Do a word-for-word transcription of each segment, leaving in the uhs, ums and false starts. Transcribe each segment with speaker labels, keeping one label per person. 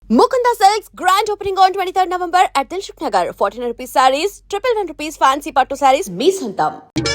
Speaker 1: Mukunda Silks grand opening on twenty-third November at Dilshuk Nagar. fourteen rupees sarees, triple one rupees fancy pattu sarees, me santam.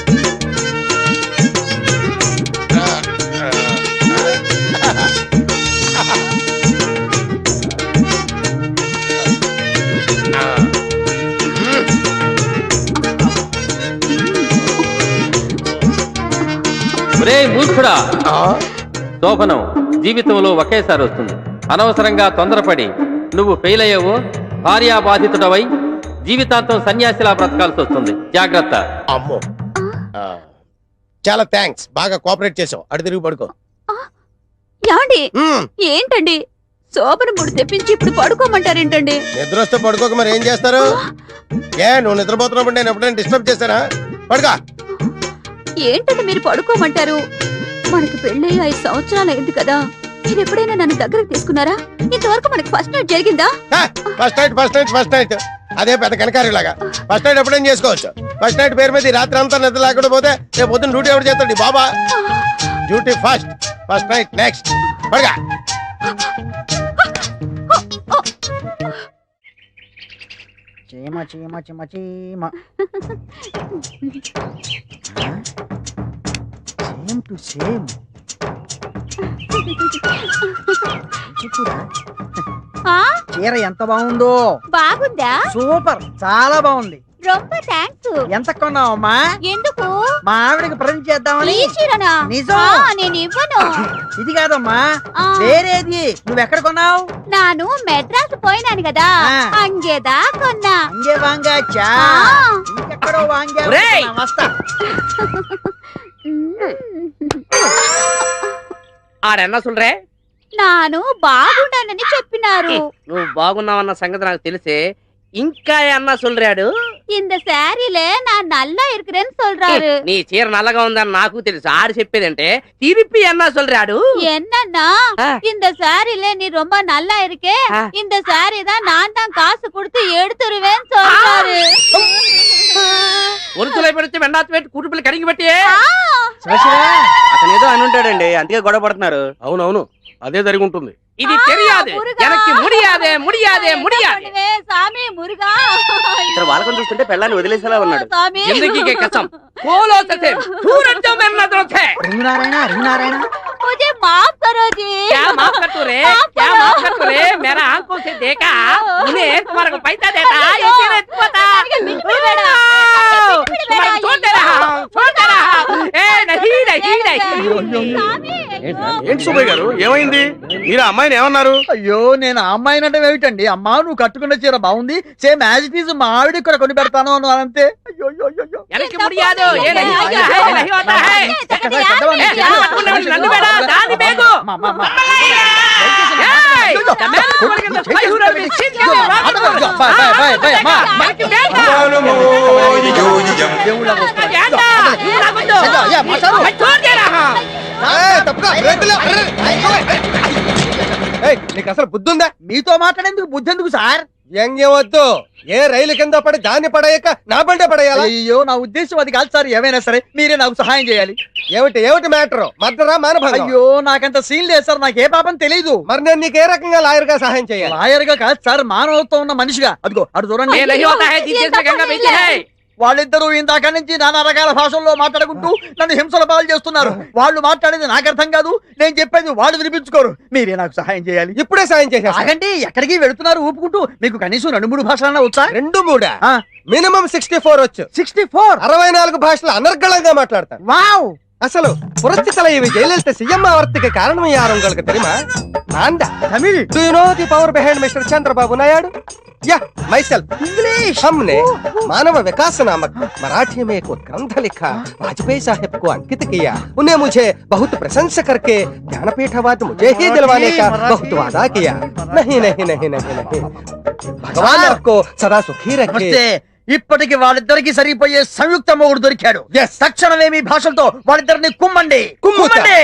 Speaker 2: ఒరే మూర్ఖుడా, శోభనం జీవితంలో ఒకేసారి వస్తుంది. అనవసరంగా తొందరపడి నువ్వు ఫెయిల్ అయ్యావో భార్యాబాధితుడవై జీవితాంతం సన్యాసిలా బ్రతకాల్సి వస్తుంది. జాగ్రత్త.
Speaker 3: అమ్మో, చాలా థ్యాంక్స్, బాగా కోఆపరేట్ చేసావు. అడు తిరిగి పడుకో.
Speaker 4: యాండి ఏంటండి శోభన ముడి తెప్పించి ఇప్పుడు పడుకోమంటారేంటండి?
Speaker 3: నిద్ర వస్తే పడుకోక మరి ఏం చేస్తారు? ఏ నువ్వు నిద్రపోతున్నప్పుడు నేను ఎప్పుడైనా డిస్టర్బ్ చేశానా? పడుకో.
Speaker 4: ఏంటండి మీరు పడుకోమంటారు? మనకి పెళ్ళి ఐదు సంవత్సరాలు అయింది కదా, మీరు ఎప్పుడైనా నన్ను దగ్గరకు తీసుకున్నారా? ఇంతవరకు మనకి ఫస్ట్ నైట్ జరిగిందా?
Speaker 3: First night first night first night అదే పెద్ద కనకారిలాగా ఫస్ట్ నైట్ ఎప్పుడైనా చేసుకోవచ్చు. ఫస్ట్ నైట్ పేరు మీద రాత్రి అంతా నిద్ర లేకుండా పోతే రేపు పొద్దున్న డ్యూటీ ఎవరు చేస్తాడు? బాబా duty first, first night next. పడగా
Speaker 5: చీమ చీమ చీమ చీమ సేమ్ టు సేమ్. చీర ఎంత బాగుందో!
Speaker 4: బాగుందా?
Speaker 5: సూపర్, చాలా బాగుంది.
Speaker 4: రొంబ థాంక్స్.
Speaker 5: ఎంత కొన్నావమ్మా?
Speaker 4: ఎందుకు?
Speaker 5: మా ఆవిడకి ప్రజెంట్ చేద్దామని.
Speaker 4: ఈ చీరనా?
Speaker 5: నిజం.
Speaker 4: నేను ఇవ్వను.
Speaker 5: ఇది కాదమ్మా, వేరేది. నువ్వెక్కడ కొన్నావు?
Speaker 4: నాను మెడ్రాస్ పోయినాను కదా, అంగేదా కొన్నా.
Speaker 5: అంగే వాంగాచా? ఇంకెక్కడో వాంగా. వస్తా.
Speaker 6: ఆడన్నా సుండ్రే,
Speaker 4: నాను బాగుండానని చెప్పినారు.
Speaker 6: నువ్వు బాగున్నావన్న సంగతి నాకు తెలిసే. ఇంకా అన్నా சொல்றாడు,
Speaker 4: இந்த சாரில நான் நல்லா இருக்கிறேன்னு சொல்றாரு.
Speaker 6: నీ చీర నల్లగా ఉందని నాకు తెలుసు. ఆడు చెప్పేదంటే తిరిపి అన్నా சொல்றாడు.
Speaker 4: என்னன்னா இந்த சாரில நீ ரொம்ப நல்லா இருக்கே, இந்த சாரி தான் நான் தான் காசு கொடுத்து எடுத்துருவேன்னு சொல்றாரு.
Speaker 6: ఒరుతులై పెడితే వెండాత పెట్టి కుటుంబాలు కడిగి పెట్టి
Speaker 7: అతను ఏదో అని ఉంటాడండి, అందుకే గొడవ పడుతున్నారు.
Speaker 3: అవునవును, అదే జరిగి ఉంటుంది.
Speaker 6: ఇది తెలియదు, எனக்கு முடியாதே முடியாதே முடியாது.
Speaker 4: சாமி முருகா,
Speaker 7: ఇక్కడ వాళ్ళకొని చూస్తుంటే పెళ్ళాన్ని వదిలేసేలా ఉన్నాడు.
Speaker 6: जिंदगी के कसम बोलो सचे सूरज जो मेरे नजरों से
Speaker 5: రింగునారాయణ రింగునారాయణ
Speaker 4: मुझे माफ करो जी.
Speaker 6: क्या माफ कर तू रे, क्या माफ कर तू रे? मेरा आंखों से देखा, उन्हें तुम्हारे को पैसा देता ये तेरे पता तुम्हारे छोड़ दे रहा हूं, छोड़ दे रहा हूं. ए नहीं नहीं नहीं.
Speaker 7: ఏంటి సుబ్బయ్య గారు, ఏమైంది? మీరు అమ్మాయిని ఏమన్నారు?
Speaker 5: అయ్యో, నేను ఆ అమ్మాయిని అంటే ఏమిటండి? అమ్మా, నువ్వు కట్టుకున్న చీర బాగుంది, సేమ్ యాజ్ ఇట్ ఈజ్ మా ఆవిడ కూడా కొని పెడతాను అన్నాను అంతే. అయ్యో అయ్యో అయ్యో,
Speaker 6: எனக்கு முடியாது, ये नहीं होता है, नहीं होता है. నన్ను బేడా దాని బేగు
Speaker 3: నీకు అసలు బుద్ధి ఉందా?
Speaker 5: మీతో మాట్లాడేందుకు బుద్ధి ఎందుకు సార్?
Speaker 3: వ్యంగ్యం వద్దు. ఏ రైలు కింద పడి దాన్ని పడేయక నా బండే పడేయాలి?
Speaker 5: అయ్యో, నా ఉద్దేశం అది కాదు సార్. ఏమైనా సరే మీరే నాకు సహాయం చేయాలి.
Speaker 3: ఏమిటి ఏమిటి మ్యాటర్? మర్డరా మానభంగం?
Speaker 5: అయ్యో, నాకంత సీన్ లేదు సార్, నాకు ఏ పాపం తెలీదు.
Speaker 3: మరి నేను నీకు ఏ రకంగా లాయర్ గా సహాయం చేయాలి?
Speaker 5: లాయర్ గా కాదు సార్, మానవత్వం ఉన్న మనిషిగా. అదిగో అటు చూడండి.
Speaker 6: ये नहीं होता है, जिससे गंगा बेची है.
Speaker 5: వాళ్ళిద్దరూ ఇందాక నుంచి నానా రకాల భాషల్లో మాట్లాడుకుంటూ నన్ను హింసల పాలు చేస్తున్నారు. వాళ్ళు మాట్లాడేది నాకు అర్థం కాదు, నేను చెప్పేది వాళ్ళు వినిపించుకోరు. మీరే నాకు సహాయం చేయాలి.
Speaker 3: ఇప్పుడే సాయం చేసేస్తా.
Speaker 5: ఆగండి, ఎక్కడికి వెళుతున్నారు ఊపుకుంటూ? మీకు కనీసం రెండు మూడు భాషలన్నా వచ్చా?
Speaker 3: రెండు మూడా? మినిమం సిక్స్టీ ఫోర్ వచ్చు.
Speaker 5: సిక్స్టీ ఫోర్
Speaker 3: అరవై నాలుగు భాషలు అనర్గళంగా మాట్లాడతాను.
Speaker 5: వావ్!
Speaker 3: అసలు పురస్తి தலைவி ஜெயலலிதா சிஎம் ஆவறதுக்கு காரணம் யார் உங்களுக்கு தெரியுமா? நான்தான்.
Speaker 5: Tamil.
Speaker 3: Do you know the power behind Mister Chandrababu Naidu? Yeah, myself.
Speaker 5: English.
Speaker 3: हमने मानव विकास नामक मराठी में एक ग्रंथ लिखा, वाजपेयी साहब को अंकित किया. उन्हें मुझे बहुत प्रशंसा करके ज्ञानपीठ अवार्ड मुझे ही दिलवाने का बहुत वादा किया. नहीं नहीं नहीं नहीं नहीं, भगवान आपको सदा सुखी रखे.
Speaker 5: ఇప్పటికి వాళ్ళిద్దరికి సరిపోయే సంయుక్త మొగుడు దొరికాడు. తక్షణమే మీ భాషలతో వాళ్ళిద్దరిని కుమ్మండి కుమ్మండి.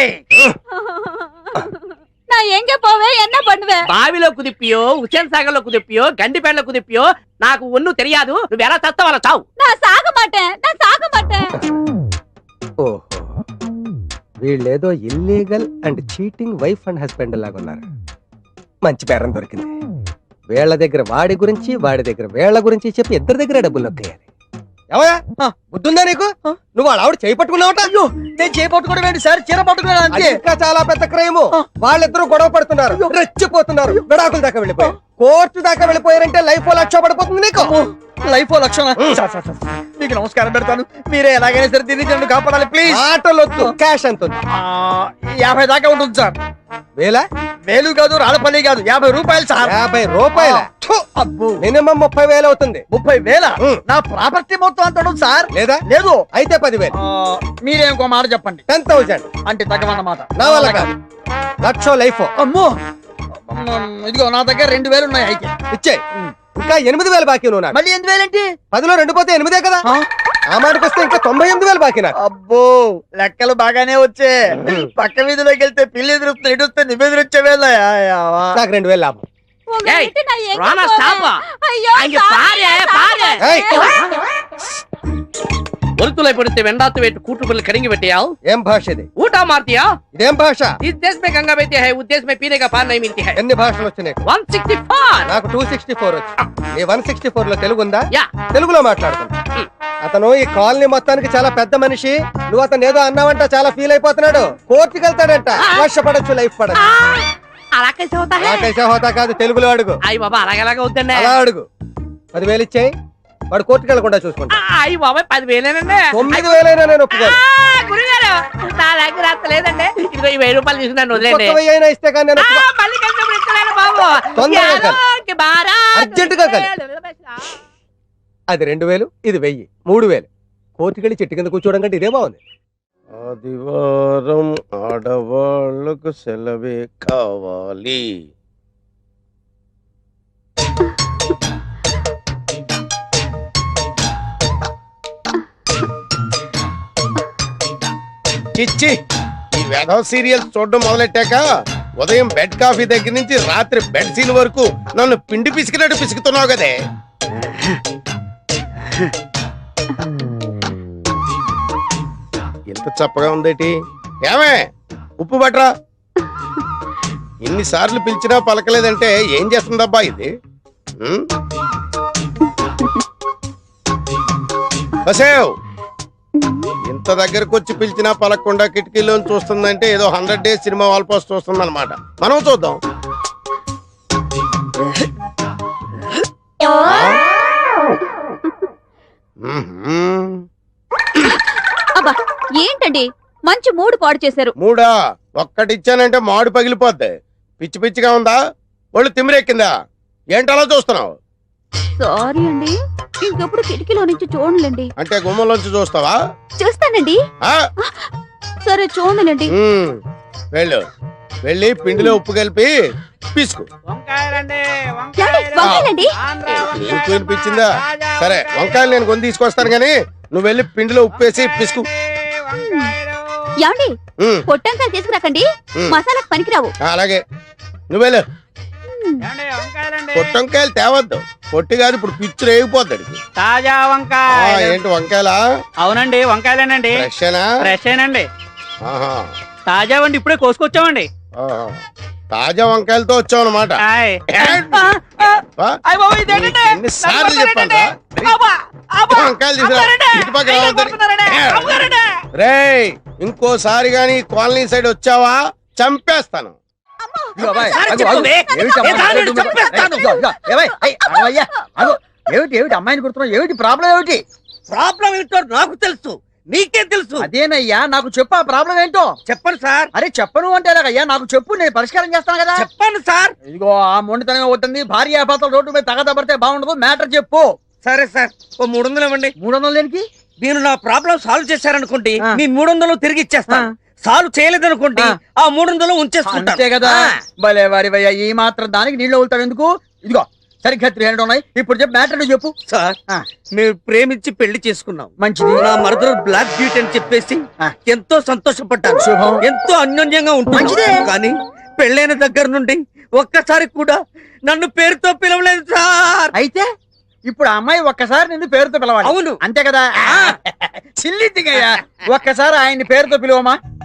Speaker 4: நான் எங்க போவேன், என்ன பண்ணுவேன்?
Speaker 6: బావిలో కుదిపియో, హుసేన్ సాగర్ లో కుదిపియో, గండిపేటలో కుదిపియో నాకు ఒన్ను తెలియదు. నువ్వు ఎలా చస్తావు అలా చావు.
Speaker 4: நான் சாக மாட்டேன், நான் சாக மாட்டேன்.
Speaker 3: ఓహో, వీళ్ళేదో illegal and cheating wife and husband లాగా ఉన్నారు. మంచి పేరం దొరికింది. వీళ్ళ దగ్గర వాడి గురించి వాడి దగ్గర వీళ్ళ గురించి చెప్పి ఇద్దరి దగ్గర డబ్బులు నొక్కేయాలి. ఏమయ్యా బుద్ధుందా నీకు? నువ్వు వాళ్ళ ఆవిడ చేయి పట్టుకున్నావట.
Speaker 5: అయ్యో నేను చేపట్టుకోవడం ఏంటి సార్, చీర పట్టుకున్నాను
Speaker 3: అది
Speaker 5: అంతే.
Speaker 3: ఇంకా చాలా పెద్ద క్రైము. వాళ్ళిద్దరూ గొడవ పడుతున్నారు, రెచ్చిపోతున్నారు, విడాకుల దాకా వెళ్ళిపోయారు, కోర్టు దాకా వెళ్ళిపోయారంటే లైఫ్ లక్ష పడిపోతుంది నీకు.
Speaker 5: లైఫ్ లక్షణ. సార్, సార్, సార్, మీకు నమస్కారం పెడతాను. మీరే ఎలాగైనా సరే తిరిగి నన్ను కాపాడాలి ప్లీజ్.
Speaker 3: ఆటలొద్దు, క్యాష్ ఎంత ఉంది?
Speaker 5: ఆ, యాభై దాకా ఉంటుంది సార్.
Speaker 3: వేలా?
Speaker 5: వేలు కాదు, రాళ్ళపల్లి కాదు, యాభై రూపాయలు సార్.
Speaker 3: యాభై రూపాయల
Speaker 5: అబ్బో,
Speaker 3: మినిమం ముప్పై వేలు అవుతుంది.
Speaker 5: ముప్పై వేల
Speaker 3: ఉం.
Speaker 5: నా ప్రాపర్టీ మొత్తం అంత ఉంటుంది సార్.
Speaker 3: లేదా?
Speaker 5: లేదు.
Speaker 3: అయితే పదివేలు.
Speaker 5: ఆ, మీరే ఇంకో మాట చెప్పండి.
Speaker 3: టెన్ థౌసండ్
Speaker 5: అంటే తగ్గమన్నమాట.
Speaker 3: నా వల్ల కాదు. లక్ష లైఫ్
Speaker 5: అమ్మో, ఇదిగో నా దగ్గర రెండు వేలు ఉన్నాయి. అయితే
Speaker 3: ఇచ్చే. ఇంకా ఎనిమిది వేలు బాకీ నువ్వు నాకు.
Speaker 5: మళ్ళీ ఎనిమిది వేలేంటి?
Speaker 3: పదిలో రెండు పోతే ఎనిమిదే కదా.
Speaker 5: ఆ?
Speaker 3: ఆ మాటకు వస్తే ఇంకా తొంభై ఎనిమిది వేలు బాకీ నాకు.
Speaker 5: అబ్బో, లెక్కలు బాగానే వచ్చే. పక్క వీధిలోకి వెళ్తే పిల్లి ఎదురుస్తుంది, ఇటు వస్తే నువ్వు ఎదురొచ్చే వేళ.
Speaker 3: నాకు రెండు వేలు లాభం.
Speaker 6: ஏய், ராணா ஸ்டாப். அங்க பாரு பாரு.
Speaker 3: ఏయ్,
Speaker 6: ஒருத்துளை பிடித்து வெண்டாத்து வைத்து கூட்டுக்குள்ள கடிங்கி வெட்டியால்
Speaker 3: ఏం భాష ఇది?
Speaker 6: ऊटा मारतिया.
Speaker 3: ఇదేం భాష?
Speaker 6: इस देश में गंगा बहती है, उस देश में पीने का पानी नहीं मिलती है.
Speaker 3: ఎన్ని భాషలు వచ్చినాయి?
Speaker 6: one sixty-four.
Speaker 3: నాకు టూ సిక్స్టీ ఫోర్ వచ్చి. నీ వన్ సిక్స్టీ ఫోర్ లో తెలుగు ఉందా?
Speaker 6: యా.
Speaker 3: తెలుగులో మాట్లాడుతున్నా. అతను ఈ కాలనీ మొత్తానికి చాలా పెద్ద మనిషి. నువ్వు అతను ఏదో అన్నావంట, చాలా ఫీల్ అయిపోతున్నాడు. కోర్టుకి వెళ్తాడంట. లక్ష పడచ్చు, లైఫ్ పడచ్చు.
Speaker 6: అలా कैसे होता है?
Speaker 3: నాకైతే హోదా కాదు, తెలుగులో అడుగు.
Speaker 6: అయ్య బాబా, అలాగలాగా వద్దండి.
Speaker 3: అలా అడుగు. పదివేలు ఇచ్చేయి, వాడు కోర్టుకి వెళ్లకుండా చూసుకుంటా.
Speaker 6: అయ్య బాబాయ్, పదివేలేనండి.
Speaker 3: తొమ్మిది వేలైనా నేను ఒప్పుకోను.
Speaker 6: గురుగారు, నా దగ్గర అంత లేదండి. ఇదిగో ఈ వెయ్యి రూపాయలు తీసుకున్నాను, వదిలేండి.
Speaker 3: ఒక్క వెయ్యి అయినా ఇస్తే కానీ నేను
Speaker 6: ఆ,
Speaker 3: ఒప్పుకో-
Speaker 6: మళ్ళీ కలిసినప్పుడు ఇస్తలేను బాబు.
Speaker 3: తొందరగా కలు.
Speaker 6: యారోకి బారా.
Speaker 3: అర్జెంటుగా కలు. అది రెండు వేలు, ఇది వెయ్యి, మూడు వేలు. కోర్టుకి వెళ్ళి చెట్టు కింద కూర్చోవడం కంటే ఇదే బాగుంది.
Speaker 8: ఆదివారం ఆడవాళ్లకు సెలవే కావాలి. చిచ్చి, ఈ వేధవ సీరియల్స్ చూడడం మొదలెట్టాక ఉదయం బెడ్ కాఫీ దగ్గర నుంచి రాత్రి బెడ్ సీన్ వరకు నన్ను పిండి పిసికినట్టు పిసుకుతున్నావు కదే. ఎంత చప్పగా ఉందేటి? ఏమే, ఉప్పు బట్రా. ఇన్నిసార్లు పిలిచినా పలకలేదంటే ఏం చేస్తుందబ్బా ఇది? ఉం? బసేవ్, ఇంత దగ్గరకు వచ్చి పిలిచినా పలకకుండా కిటికీలో చూస్తుందంటే ఏదో హండ్రెడ్ డేస్ సినిమా వాల్ పోస్ట్ చూస్తుంది అనమాట. మనం చూద్దాం.
Speaker 4: అబ్బా, ఏంటండి మంచి మూడు పాడు చేశారు.
Speaker 8: మూడా? ఒక్కటిచ్చానంటే మాడు పగిలిపోద్ది. పిచ్చి పిచ్చిగా ఉందా? ఒళ్ళు తిమ్మిరెక్కిందా? ఏంటలా చూస్తున్నావు?
Speaker 4: సారీ అండి, ఇంకెప్పుడు కిటికీలో నుంచి చూడలేండి.
Speaker 8: అంటే గుమ్మంలోంచి చూస్తావా?
Speaker 4: చూస్తానండి.
Speaker 8: ఆ?
Speaker 4: సరే చూడలేండి.
Speaker 8: ఉమ్, వెళ్ళు. వెళ్ళి పిండిలో ఉప్పు కలిపి పిసుకు.
Speaker 6: వంకాయలండి,
Speaker 4: ఏమండి, వంకాయలండి?
Speaker 8: నీకు వినిపించిందా? సరే, వంకాయలు నేను కొని తీసుకొస్తాను గానీ నువ్వు వెళ్ళి పిండిలో ఉప్పు వేసి పిసుకు.
Speaker 4: ఏమండి,
Speaker 8: ఉమ్,
Speaker 4: పొట్టంకాయలు తీసుకురాకండి,
Speaker 8: ఉమ్.
Speaker 4: మసాలాకు పనికిరావు.
Speaker 8: ఆ, అలాగే. నువ్వు వెళ్ళు. పొట్టంకాయలు తేవద్దు, పొట్టి కాదు, ఇప్పుడు పిచ్చు రేగిపోతాడు.
Speaker 6: తాజా
Speaker 8: ఆ,
Speaker 6: వంకాయ.
Speaker 8: ఏంటి వంకాయలా?
Speaker 6: అవునండి, వంకాయలేనండి.
Speaker 8: ఫ్రెషేనా?
Speaker 6: ఫ్రెష్ ఏనండి,
Speaker 8: ఆహా.
Speaker 6: తాజా వండి ఇప్పుడే కోసుకొచ్చామండి.
Speaker 8: ఆహా. తాజా వంకాయలతో వచ్చావు అనమాట.
Speaker 6: ఆయ్. అయ్ బాబు, ఇదేంటండి?
Speaker 8: ఎన్నిసార్లు
Speaker 6: నన్ను
Speaker 8: చెప్పాలా?
Speaker 6: అబ్బా, అబ్బా,
Speaker 8: వంకాయలు తీసుకురా.
Speaker 6: అమ్మారండి.
Speaker 8: ఇటు పక్క
Speaker 6: అయ్యో,
Speaker 8: రావద్దని.
Speaker 6: కొడుతున్నారండి. అమ్మారండి.
Speaker 8: రేయ్, ఇంకోసారి గాని కాలనీ సైడ్ వచ్చావా చంపేస్తాను.
Speaker 5: ఇదిగో అబ్బాయి,
Speaker 6: సార్,
Speaker 5: అదిగో, అదిగో.
Speaker 6: చెప్పవే.
Speaker 5: ఏమిటి అమ్మాయి?
Speaker 6: ఏ దానిని చంపేస్తాను.
Speaker 5: ఇదిగో, ఇదిగో. ఏమై? ఏయ్, అమ్మయ్య. అదిగో, ఏమిటి ఏమిటి అమ్మాయిని కొడుతున్నావు? ఏమిటి ప్రాబ్లం? ఏమిటి
Speaker 6: ప్రాబ్లం ఏంటో నాకు తెలుసు, నీకే తెలుసు.
Speaker 5: అదేనయ్యా, నాకు చెప్పు ఆ ప్రాబ్లం ఏంటో.
Speaker 6: చెప్పండి సార్.
Speaker 5: అరే చెప్పను అంటే ఎలాగయ్యా? నాకు చెప్పు, నేను పరిష్కారం చేస్తాను కదా.
Speaker 6: చెప్పండి సార్.
Speaker 5: ఇదిగో, ఆ మొండితనం అవుతుంది. భార్య భర్తలు రోడ్డు మీద తగదబడితే బాగుండదు. మ్యాటర్ చెప్పు.
Speaker 6: సరే సార్, ఓ మూడు వందలు ఇవ్వండి.
Speaker 5: మూడు వందలు దేనికి?
Speaker 6: మీరు నా ప్రాబ్లం సాల్వ్ చేశారనుకోండి,
Speaker 5: ఆ.
Speaker 6: మీ మూడు వందలు తిరిగి ఇచ్చేస్తాను. సాల్వ్ చేయలేదనుకోండి,
Speaker 5: ఆ.
Speaker 6: ఆ మూడు వందలు ఉంచేసుకుంటాను.
Speaker 5: అంతే కదా.
Speaker 6: ఆ.
Speaker 5: భలే వారి భయ్యా, ఈ మాత్రం దానికి నీళ్ళు వెళ్తావు ఎందుకు? ఇదిగో సరిగ్గా త్రీ హండ్రెడ్ ఉన్నాయి. ఇప్పుడు చెప్పు, మ్యాటర్ నువ్వు చెప్పు.
Speaker 6: సార్,
Speaker 5: ఆ.
Speaker 6: మేము ప్రేమించి పెళ్లి చేసుకున్నాం.
Speaker 5: మంచిది.
Speaker 6: నా మరదలు బ్లాక్ బ్యూటీ అని చెప్పేసి
Speaker 5: ఆ.
Speaker 6: ఎంతో సంతోషపడ్డాను.
Speaker 5: శుభం.
Speaker 6: ఎంతో అన్యోన్యంగా
Speaker 5: మంచిదే.
Speaker 6: ఉంటుంది. కానీ పెళ్ళైన దగ్గర నుండి ఒక్కసారి కూడా నన్ను పేరుతో పిలవలేదు సార్.
Speaker 5: అయితే ఇప్పుడు ఆ అమ్మాయి ఒక్కసారి నిన్ను పేరుతో పిలవాలి.
Speaker 6: అవును.
Speaker 5: అంతే కదా. చిల్లిద్దిగయ్యా, ఒక్కసారి ఆయన్ని పేరుతో పిలువమా.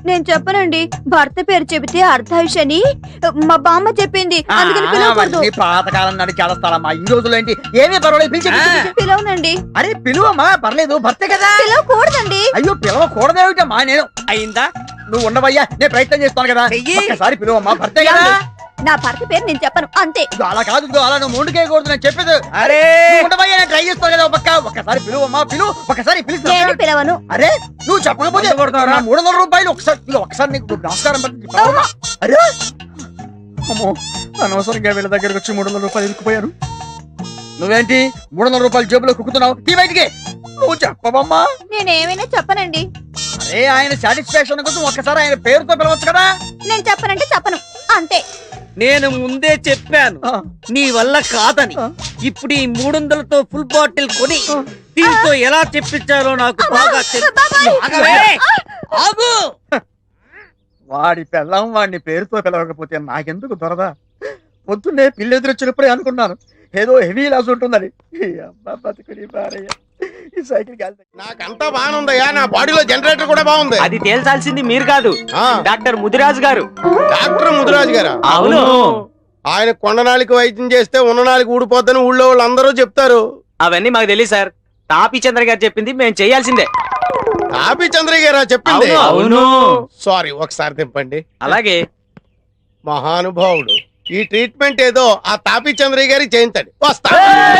Speaker 4: నేను చెప్పనండి. భర్త పేరు చెబితే అర్ధాయుషని మా బామ్మ చెప్పింది. అందుకని పిలవకూడదు.
Speaker 5: అవన్నీ పాతకాలం నాటి చేస్తాలమ్మా. ఈ రోజులో ఏంటి ఏమీ పర్వాలేదు, పిలిచి పిలిచి, పిలిచి.
Speaker 4: పిలవనండి.
Speaker 5: అరే పిలువమ్మా, పర్లేదు, భర్తే కదా.
Speaker 4: పిలవకూడదండి.
Speaker 5: అయ్యో పిలవకూడదేమిటమ్మా, నేను అయిందా నువ్వు ఉండవయ్యా, నేను ప్రయత్నం చేస్తాను కదా. ఒక్కసారి పిలువమ్మా, భర్తే కదా.
Speaker 4: నా భర్త పేరు నేను చెప్పను అంతే.
Speaker 5: ఇదిగో అలా కాదు, ఇదిగో అలా నువ్వు ముందుకేయకూడదు, నేను చెప్పేది.
Speaker 7: అరే
Speaker 5: నువ్వు ఉండవయ్యా, నేను ట్రై చేస్తాను కదా. ఒక్క ఒక్కసారి పిలువమ్మా, పిలువు, ఒక్కసారి పిలుస్తా.
Speaker 4: నేను పిలవను.
Speaker 5: అరే నువ్వు చెప్పకపోతే నా మూడు వందల రూపాయలు ఒకసారి ఇదిగో ఒకసారి నీకు నమస్కారం పెట్టి చెప్పవా? అరే అమ్మో, అనవసరంగా వీళ్ళ దగ్గరకు వచ్చి మూడు వందల రూపాయలు ఇరుక్కుపోయారు. నువ్వేంటి మూడు వందల రూపాయలు జేబులో కుక్కుతున్నావు? తీ బయటికి. నువ్వు చెప్పవమ్మా.
Speaker 4: నేనేమైనా చెప్పనండి.
Speaker 5: అరే ఆయన సాటిస్ఫాక్షన్ కోసం ఒక్కసారి ఆయన పేరుతో పిలవచ్చు కదా.
Speaker 4: నేను చెప్పనంటే చెప్పను అంతే.
Speaker 7: నేను ముందే చెప్పాను నీ వల్ల కాదని. ఇప్పుడు ఈ మూడు వందలతో ఫుల్ బాటిల్ కొని దీంతో ఎలా చెప్పించాలో నాకు బాగా తెలుసు. ఆగు.
Speaker 5: వాడి పెళ్ళం వాడిని పేరుతో పిలవకపోతే నాకెందుకు దొరదా? పొద్దున్నే పిల్లి ఎదురొచ్చినప్పుడే అనుకున్నాను ఏదో హెవీ లాస్ ఉంటుందని. ఈ అబ్బా బతుకుని బారయ్య. ఈ సైకిల్ కాదు.
Speaker 8: నాకంతా బాగుందయ్యా, నా బాడీలో జనరేటర్ కూడా బాగుంది.
Speaker 7: అది తేల్చాల్సింది మీరు కాదు,
Speaker 8: ఆ,
Speaker 7: డాక్టర్ ముదిరాజు గారు.
Speaker 8: డాక్టర్ ముదిరాజు గారా?
Speaker 7: అవును.
Speaker 8: ఆయన కొండనాలికి వైద్యం చేస్తే ఉన్ననాలికి ఊడిపోద్దని ఊళ్ళో వాళ్ళు అందరూ చెప్తారు.
Speaker 7: అవన్నీ మాకు తెలియదు సార్, తాపీ చంద్ర గారు చెప్పింది మేము చేయాల్సిందే.
Speaker 8: తాపి చంద్రయ్య గారా చెప్పింది?
Speaker 7: అవును.
Speaker 8: సారీ, ఒకసారి తిప్పండి.
Speaker 7: అలాగే.
Speaker 8: మహానుభావుడు, ఈ ట్రీట్మెంట్ ఏదో ఆ తాపి చంద్రయ్య గారికి చేయించండి. వస్తా.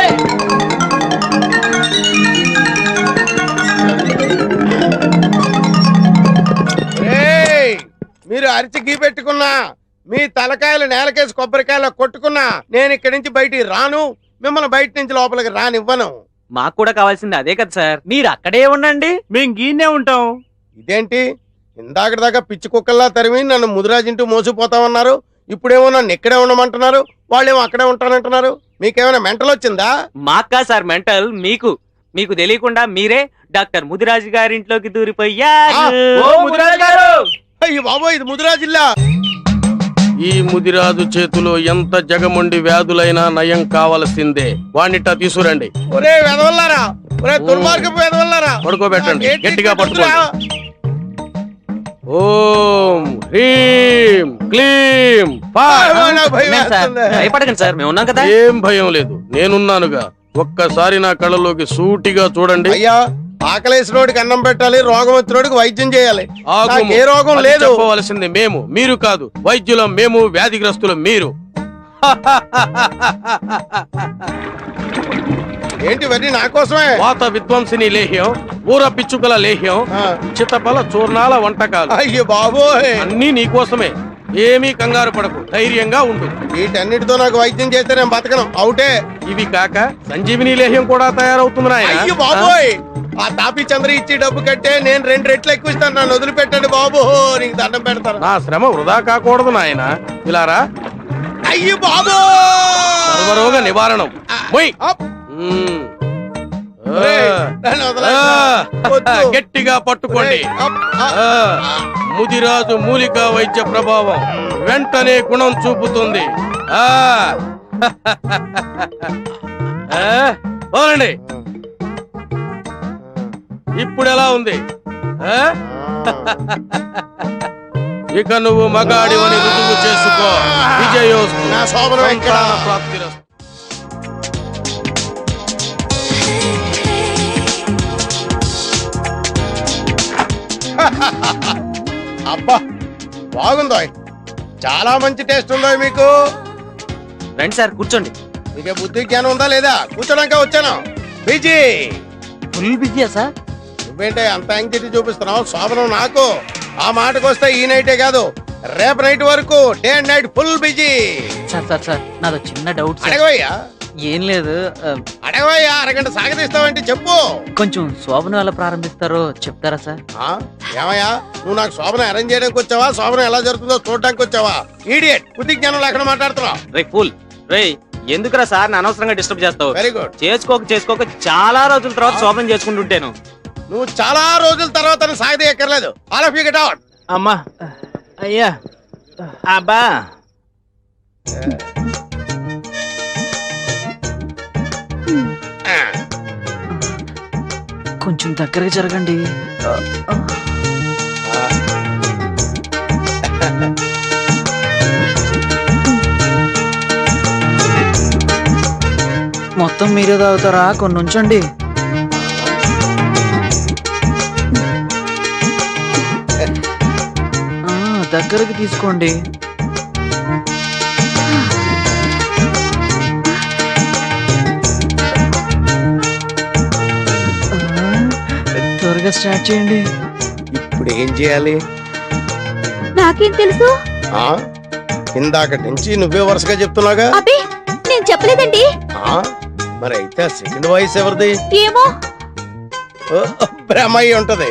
Speaker 8: ఏయ్, మీరు అరిచి గీ పెట్టుకున్నా, మీ తలకాయలు నేలకేసి కొబ్బరికాయలు కొట్టుకున్నా నేను ఇక్కడి నుంచి బయటికి రాను, మిమ్మల్ని బయట నుంచి లోపలికి రానివ్వను.
Speaker 7: మాకు కూడా కావాల్సింది అదే కదా సార్. మీరు అక్కడే ఉండండి, మేము గీనే ఉంటాం.
Speaker 8: ఇదేంటి ఇందాక దాకా పిచ్చి కుక్కల్లా తరిమి నన్ను ముదిరాజింటూ మోసిపోతామన్నారు, ఇప్పుడేమో నన్ను ఇక్కడే ఉండమంటున్నారు, వాళ్ళేమో అక్కడే ఉంటానంటున్నారు. మీకేమైనా మెంటల్ వచ్చిందా?
Speaker 7: మాకా సార్ మెంటల్, మీకు మీకు తెలియకుండా మీరే డాక్టర్ ముదిరాజు గారింట్లోకి దూరిపోయారు.
Speaker 8: ఓ ముదిరాజు గారు! అయ్యి బాబో, ఇది ముదిరాజిల్లా.
Speaker 9: ఈ ముదిరాజు చేతిలో ఎంత జగమండి వ్యాధులైనా నయం కావలసిందే. వాణ్ణిట తీసుకురండి.
Speaker 8: ఒరే వెదవల్లారా, ఒరే దుర్మార్గపు వెదవల్లారా,
Speaker 9: పడుకోబెట్టండి,
Speaker 8: నాకేంటి
Speaker 9: గట్టిగా
Speaker 8: పట్టుకురా?
Speaker 9: ఓం హ్రీం క్లీం ఫా.
Speaker 8: ఆ, నాకు భయం
Speaker 7: మేం సార్,
Speaker 8: వేస్తుంది.
Speaker 7: భయపడకండి సార్, మేము ఉన్నాం కదా.
Speaker 9: ఏం భయం లేదు, నేనున్నానుగా. ఒక్కసారి నా కళ్ళలోకి సూటిగా చూడండి.
Speaker 8: అయ్యా, ఆకలేసినోడికి అన్నం పెట్టాలి, రోగం వచ్చినోడికి వైద్యం చేయాలి.
Speaker 9: ఆగు.
Speaker 8: నాకు ఏ రోగం
Speaker 9: అది
Speaker 8: లేదు.
Speaker 9: చెప్పవలసింది మేము, మీరు కాదు. వైద్యులం మేము, వ్యాధిగ్రస్తులు మీరు.
Speaker 8: ఏంటి ఇవన్నీ నా కోసమే?
Speaker 9: వాత విధ్వంసిని లేహ్యం, ఊర పిచ్చుకల లేహ్యం,
Speaker 8: ఆ.
Speaker 9: చిత్తపల చూర్ణాల వంటకాలు
Speaker 8: అయ్యో బాబోయ్,
Speaker 9: అన్నీ నీకోసమే. ఏమీ కంగారు పడకు, ధైర్యంగా ఉండు.
Speaker 8: వీటన్నిటితో నాకు వైద్యం చేస్తే నేను బతకను, అవుటే.
Speaker 9: ఇవి కాక సంజీవిని లేహ్యం కూడా తయారవుతుంది నాయనా.
Speaker 8: అయ్యో బాబోయ్, ఆ తాపి చంద్ర ఇచ్చి డబ్బు కట్టే నేను రెండు రెట్లు ఎక్కువ ఇస్తాను, నన్ను వదిలిపెట్టండి బాబు, నీకు దండం పెడతాను.
Speaker 9: నా శ్రమ వృధా కాకూడదు నాయన. ఇలారా,
Speaker 8: అయ్యో బాబు,
Speaker 9: సర్వరోగ నివారణం. మొయ్.
Speaker 8: అప్.
Speaker 9: మ్మ్.
Speaker 8: ఒరేయ్, నన్ను వదలండి. వద్దు.
Speaker 9: ఆ, గట్టిగా పట్టుకోండి.
Speaker 8: ఒరేయ్, అప్, ఆ,
Speaker 9: ఆ, ముదిరాజు మూలికా వైద్య ప్రభావం వెంటనే గుణం చూపుతుంది. ఆ ఆ, వదలండి. ఇప్పుడు ఎలా ఉంది? ఆ? ఇక నువ్వు మగాడివని రుజువు చేసుకో. విజయోస్తు.
Speaker 8: నా శోభనం ఎక్కడ?
Speaker 9: సంతాన ప్రాప్తిరస్తు.
Speaker 8: అబ్బా బాగుందో, చాలా మంచి టేస్ట్ ఉందో మీకు.
Speaker 7: రండి సార్, కూర్చోండి.
Speaker 8: మీకే బుద్ధి జ్ఞానం ఉందా లేదా? కూర్చోడానికి వచ్చాను. బిజీ
Speaker 7: ఫుల్ బిజీయా సార్?
Speaker 8: నువ్వేంటే అంత యాంగ్జైటీ చూపిస్తున్నావు? శోభనం నాకు. ఆ మాటకు వస్తే ఈ నైటే కాదు, రేపు నైట్ వరకు day and night full busy.
Speaker 7: Sir sir sir నాదో చిన్న డౌట్ సార్.
Speaker 8: అడగవయ్యా,
Speaker 7: ఏం లేదు, ఆ,
Speaker 8: అడగవయ్యా. అరగంట సాగదీస్తావంటే చెప్పు.
Speaker 7: కొంచెం శోభనం ఎలా ప్రారంభిస్తారో చెప్తారా సార్?
Speaker 8: ఆ, ఏమయ్యా, నువ్వు నాకు శోభనం అరేంజ్ చేయడానికి వచ్చావా, శోభనం ఎలా జరుగుతుందో చూడడానికి వచ్చావా? ఈడియట్, బుద్ధి జ్ఞానం లేకుండా మాట్లాడుతున్నావు.
Speaker 7: రే ఫుల్ రే, ఎందుకురా సార్ అనవసరంగా డిస్టర్బ్ చేస్తావు?
Speaker 8: Very good.
Speaker 7: చేసుకోక చేసుకోక చాలా రోజుల తర్వాత శోభనం చేసుకుంటుంటాను.
Speaker 8: నువ్వు చాలా రోజుల తర్వాత సాగదీయక్కర్లేదు. All of you get out.
Speaker 7: అమ్మా, అయ్యా, అబ్బా. కొంచెం దగ్గరగా జరగండి.
Speaker 5: మొత్తం మీరే తాగుతారా? కొన్ని ఉంచండి. ఆ, దగ్గరికి తీసుకోండి. ఆ, త్వరగా స్టార్ట్ చేయండి.
Speaker 8: ఇప్పుడు ఏం చేయాలి?
Speaker 4: నాకేం తెలుసు?
Speaker 8: ఆ ఇందాక నుంచి నువ్వే వరుసగా చెప్తున్నాగా.
Speaker 4: అబ్బే నేను చెప్పలేదండి.
Speaker 8: ఆ మరి అయితే ఆ సెకండ్ వాయిస్ ఎవరిది?
Speaker 4: ఏమో.
Speaker 8: ఓ, బ్రహ్మయ్య ఉంటది.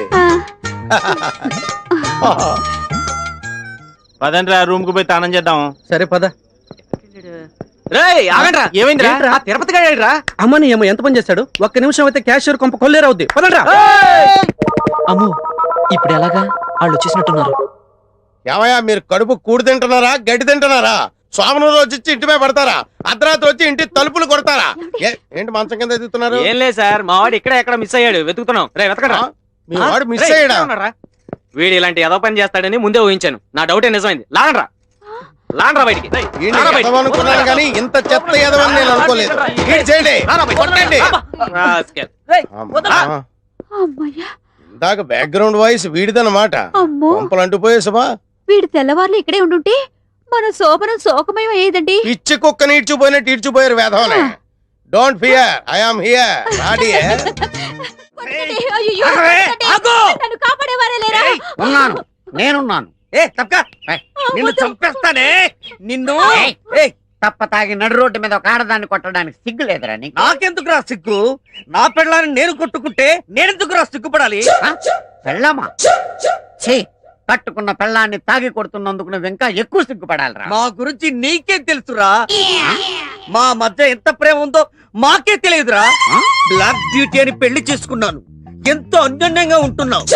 Speaker 4: ఆ,
Speaker 7: పదండ్రా రూమ్ కు పోయి తానం చేద్దాం.
Speaker 3: సరే పద.
Speaker 7: రేయ్ ఆగండ్రా. ఏమైందిరా?
Speaker 3: ఏంట్రా?
Speaker 7: ఆ తిరుపతి గాడేడ్రా?
Speaker 3: అమ్మని ఏమో ఎంత పని చేస్తాడు? ఒక్క నిమిషం అయితే క్యాషియర్ కొంప కొల్లేరవుద్ది. పదండ్రా.
Speaker 5: అమ్మో ఇప్పుడు ఎలాగా? వాళ్ళు వచ్చేసినట్టున్నారు.
Speaker 8: ఏమయ్యా మీరు కడుపు కూడి తింటున్నారా గడ్డి తింటున్నారా? సోమను రోజు వచ్చి ఇంటి మీద పడతారా? అర్ధరాత్రి వచ్చి ఇంటి తలుపులు కొడతారా? ఏ- ఏంటి మంచం కింద ఎదుగుతున్నారు?
Speaker 7: ఏం లేదు సార్, మా వాడు ఇక్కడ ఎక్కడ మిస్ అయ్యాడు, వెతుకుతున్నాం. రే వెతకడా.
Speaker 8: మీ వాడు మిస్ అయ్యాడా?
Speaker 7: వీడు ఇలాంటి ఏదో పని చేస్తాడని ముందే ఊహించాను. నా డౌటే నిజమైంది. లాగండ్రా లాగండ్రా బయటికి. రేయ్,
Speaker 8: ఈయన్ని
Speaker 7: లాగరా బయటికి.
Speaker 8: ఎదవనుకున్నాను కానీ ఇంత చెత్త ఎదవని నేను అనుకోలేదు. ఈయన చేయండి.
Speaker 7: లాగరా బయటికి.
Speaker 8: కొట్టండి.
Speaker 7: రాస్కెల్.
Speaker 8: అమ్మా.
Speaker 4: అమ్మయ్యా.
Speaker 8: ఇందాక బ్యాక్గ్రౌండ్ వాయిస్ వీడిదన్నమాట.
Speaker 4: అమ్మో
Speaker 8: పంపలు అంటుపోయేసమా?
Speaker 4: వీడి తెల్లవార్లు ఇక్కడే ఉండుంటే మన శోభనం శోకమయం అయ్యేదండి.
Speaker 8: పిచ్చి కుక్క ఈడ్చుపోయినట్టు ఈడ్చుపోయారు వేధవనే. Don't fear, I am here. రాడి.
Speaker 4: కొట్టకండి. అయ్యయ్యో,
Speaker 7: ఆగవే,
Speaker 4: కొట్టకండి.
Speaker 7: ఆగు.
Speaker 4: నన్ను కాపాడేవారే లేరా?
Speaker 7: ఉన్నాను, నేనున్నాను. ఏ తప్పక నిన్ను చంపేస్తానే నిన్ను. ఏయ్,
Speaker 6: తప్ప తాగి నడు రోడ్డు మీద ఒక ఆడదాన్ని కొట్టడానికి సిగ్గు లేదురా నీకు?
Speaker 7: నాకెందుకు రా సిగ్గు? నా పెళ్ళాన్ని నేను కొట్టుకుంటే నేనెందుకు రా సిగ్గుపడాలి?
Speaker 6: ఆ? పెళ్ళామా? ఛీ, కట్టుకున్న పెళ్ళాన్ని తాగి కొడుతున్నందుకు నువ్వు ఇంకా ఎక్కువ సిగ్గుపడాలిరా.
Speaker 7: మా గురించి నీకే తెలుసురా. మా మధ్య ఎంత ప్రేమ ఉందో మాకే తెలియదురా. బ్లాక్ బ్యూటీ అని పెళ్లి చేసుకున్నాను, ఎంతో అన్యోన్యంగా ఉంటున్నావు.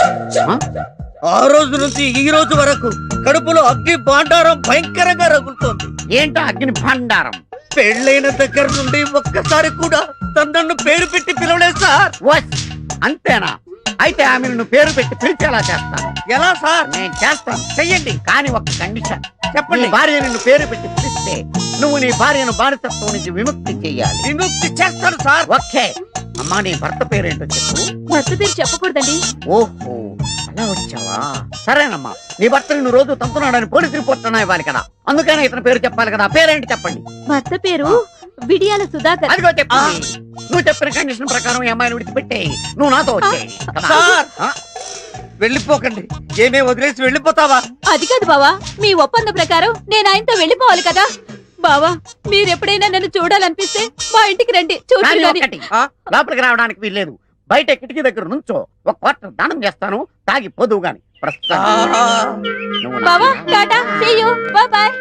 Speaker 7: ఆ రోజు నుంచి ఈ రోజు వరకు కడుపులో అగ్ని భాండారం భయంకరంగా రగులుతోంది.
Speaker 6: ఏంటో అగ్ని భాండారం?
Speaker 7: పెళ్ళైన దగ్గర నుండి ఒక్కసారి కూడా తనను పేరు పెట్టి పిలవలేదు సార్.
Speaker 6: వస్, అంతేనా? అయితే ఆమె నువ్వు పేరు పెట్టి పిలిచేలా చేస్తాను.
Speaker 7: ఎలా సార్?
Speaker 6: నేను చేస్తాను, చెయ్యండి. కానీ ఒక కండిషన్.
Speaker 7: చెప్పండి.
Speaker 6: నీ భార్య నిన్ను పేరు పెట్టి పిలిస్తే నువ్వు నీ భార్యను బానిసత్వం నుంచి విముక్తి చెయ్యాలి.
Speaker 7: విముక్తి చేస్తాను సార్.
Speaker 6: ఓకే. అమ్మా, నీ భర్త పేరేంటో చెప్పు.
Speaker 4: భర్త పేరు చెప్పకూడదండి.
Speaker 6: ఓహో, అలా వచ్చావా? సరేనమ్మా, నీ భర్త నిన్ను రోజు తంతున్నాడని పోలీస్ రిపోర్ట్ అన్నా ఇవ్వాలి కదా, అందుకనే ఇతని పేరు చెప్పాలి కదా. పేరేంటి చెప్పండి.
Speaker 4: భర్త పేరు విడియాల సుధాకర్.
Speaker 6: అదిగో చెప్పు. నువ్వు చెప్పిన కండిషన్ ప్రకారం ఈ అమ్మాయిని విడిచిపెట్టేయి. నువ్వు నాతో వచ్చేయి.
Speaker 7: సార్, వెళ్ళిపోకండి. ఏమే వదిలేసి వెళ్ళిపోతావా?
Speaker 4: అది కాదు బావా, మీ ఒప్పంద ప్రకారం నేను ఆయనతో వెళ్ళిపోవాలి కదా. బావా, మీరెప్పుడైనా నన్ను చూడాలనిపిస్తే మా ఇంటికి రండి, చూడండి.
Speaker 6: కానీ
Speaker 4: గాని.
Speaker 6: ఒక్కటి, లోపలికి రావడానికి వీల్లేదు. బయట కిటికీ దగ్గర నుంచో ఒక క్వార్టర్ దానం చేస్తాను, తాగి పోదువు గాని. ప్రస్తుతం నువ్వు నా
Speaker 4: బావా, Tata, see you, bye bye.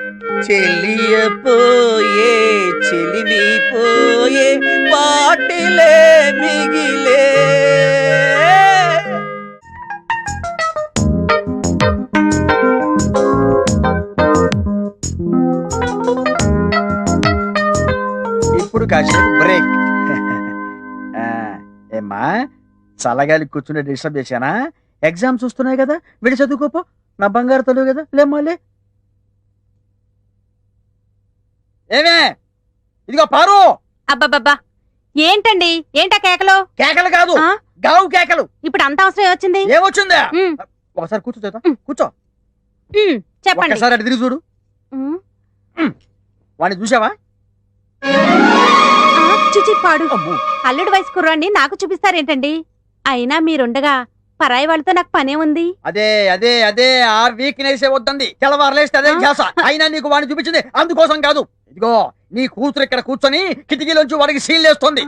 Speaker 7: చెలియపోయే చెలిమి పోయే పాటిలే మిగిలే.
Speaker 5: ఇప్పుడు కాసేపు బ్రేక్. ఏమ్మా, చల్లగాలి కూర్చుని డిస్టర్బ్ చేశానా? ఎగ్జామ్స్ వస్తున్నాయి కదా, విడి చదువుకోపో. నా బంగారు తల్లి కదా, లేమ్మాలే. ఏమే, ఇదిగో పారు.
Speaker 4: అబ్బబ్బబ్బా, ఏంటండి? ఏంటా కేకలు?
Speaker 5: కేకలు కాదు,
Speaker 4: ఆ?
Speaker 5: గావు కేకలు.
Speaker 4: ఇప్పుడు అంత అవసరం వచ్చింది?
Speaker 5: ఏమొచ్చిందా?
Speaker 4: ఉమ్,
Speaker 5: ఒకసారి కూర్చో చేద్దాం.
Speaker 4: ఉమ్.
Speaker 5: కూర్చో.
Speaker 4: ఉమ్, చెప్పండి.
Speaker 5: ఒకసారి అటు తిరిగి చూడు.
Speaker 4: ఉమ్,
Speaker 5: వాడిని చూసావా?
Speaker 4: ఆ, చిచి పాడు.
Speaker 5: అమ్మో.
Speaker 4: అల్లుడు వయసు కుర్రాన్ని నాకు చూపిస్తారేంటండి? అయినా మీరుండగా పరాయి వాళ్ళతో నాకు పనే ఉంది.
Speaker 5: అదే అదే అదే ఆ వీక్నెస్ వద్దంది. తెల్లవారులేస్తే అదే ధ్యాస. అయినా నీకు వాడిని చూపించింది అందుకోసం కాదు. ఇదిగో, నీ కూతురు ఇక్కడ కూర్చొని కిటికీలోంచి వాడికి సీల్ వేస్తోంది.